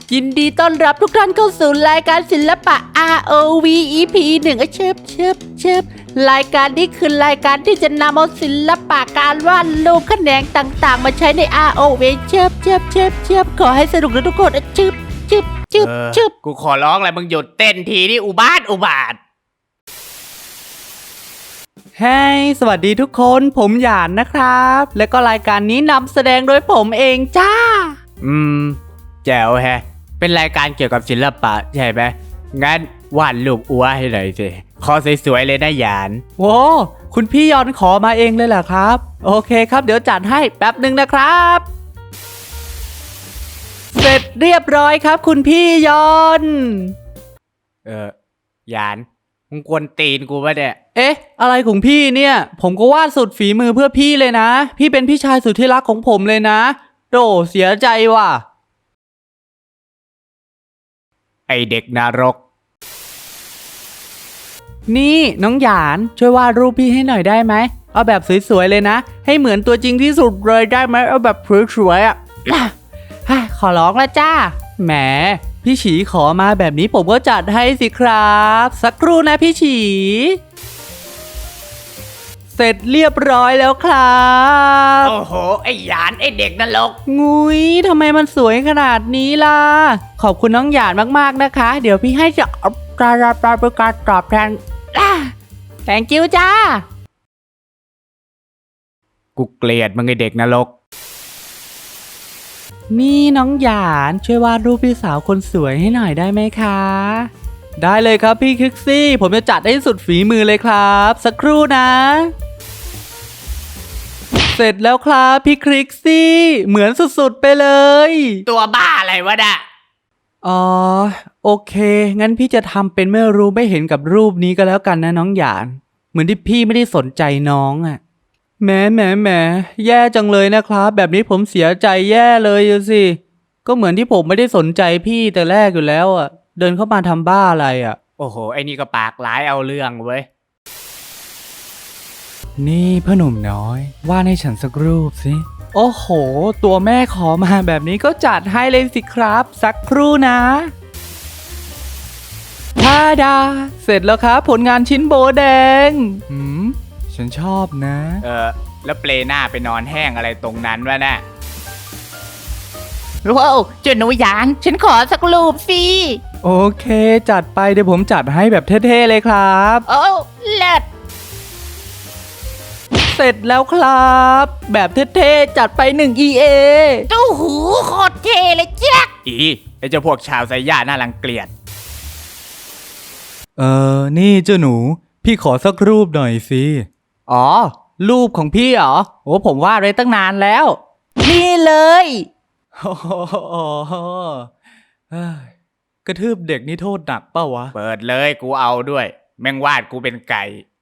ยินดีต้อนรับทุกท่านเข้าสู่รายการศิลปะ ROV EP 1เชิบรายการนี้คือรายการที่จะนำเอาศิลปะการวาดรูปแขนงต่างๆมาใช้ใน ROV เชิบขอให้สนุกนะทุกคนชึบกูขอร้องเลยมึงหยุดเต้นทีนี่อุบาทเฮ้ยสวัสดีทุกคนผมหยานนะครับ และก็รายการนี้นำแสดงโดยผมเองจ้าแจ๋วแฮะเป็นรายการเกี่ยวกับศิลปะใช่ไหมงั้นวาดรูปอัวให้หน่อยสิขอสวยๆเลยนะหยานโว้คุณพี่ยอนขอมาเองเลยเหรอครับ โอเคครับเดี๋ยวจัดให้แป๊บหนึ่งนะครับ เสร็จเรียบร้อยครับคุณพี่ยอนหยานมึงกวนตีนกูปะเนี่ยเอ๊ะอะไรของพี่เนี่ยผมก็วาดสุดฝีมือเพื่อพี่เลยนะพี่เป็นพี่ชายสุดที่รักของผมเลยนะโดเสียใจว่ะไอเด็กนรกนี่น้องหยานช่วยวาดรูปพี่ให้หน่อยได้ไหมเอาแบบสวยๆเลยนะให้เหมือนตัวจริงที่สุดเลยได้ไหมเอาแบบสวยๆอ่ะ ขอร้องละจ้าแหมพี่ฉีขอมาแบบนี้ผมก็จัดให้สิครับสักครู่นะพี่ฉี เสร็จเรียบร้อยแล้วครับโอ้โหไอหยานไอเด็กนรกงุยทำไมมันสวยขนาดนี้ล่ะขอบคุณน้องหยาดมากๆนะคะเดี๋ยวพี่ให้จะการตอบแทนthank you จ้ากูเกลียดมึงไอเด็กนรกนี่น้องหยานช่วยวาดรูปพี่สาวคนสวยให้หน่อยได้ไหมคะ ได้เลยครับพี่คริกซี่ผมจะจัดให้สุดฝีมือเลยครับสักครู่นะ เสร็จแล้วครับพี่คริกซี่เหมือนสุดๆไปเลยตัวบ้าอะไรวะน่ะอ๋อโอเคงั้นพี่จะทำเป็นไม่รู้ไม่เห็นกับรูปนี้ก็แล้วกันนะน้องหยานเหมือนที่พี่ไม่ได้สนใจน้องอ่ะแหมแย่จังเลยนะครับแบบนี้ผมเสียใจแย่เลยสิก็เหมือนที่ผมไม่ได้สนใจพี่แต่แรกอยู่แล้วอ่ะเดินเข้ามาทำบ้าอะไรอ่ะโอ้โหไอนี่ก็ปากร้ายเอาเรื่องเว้ยนี่พ่อหนุ่มน้อยวาดให้ฉันสักรูปสิโอ้โหตัวแม่ขอมาแบบนี้ก็จัดให้เลยสิครับสักครู่นะทาดาเสร็จแล้วครับผลงานชิ้นโบแดงฉันชอบนะแล้วเปลหน้าไปนอนแห้งอะไรตรงนั้นวะน่ะว้าวเจ้าหนูหยานฉันขอสักรูปสิโอเคจัดไปเดี๋ยวผมจัดให้แบบเท่ๆเลยครับโอ้เลิศเสร็จแล้วครับ แบบเท่ๆจัดไป1 EA เจ้าหูโคตรเท่เลยแจ๊กไอเจ้าพวกชาวไซย่าน่ารังเกียจนี่เจ้าหนูพี่ขอสักรูปหน่อยสิอ๋อรูปของพี่เหรอโอ้ผมวาดไว้ตั้งนานแล้วนี่เลยโอ้โหกระทืบเด็กนี่โทษหนักเปล่าวะเปิดเลยกูเอาด้วย แม่งวาดกูเป็นไก่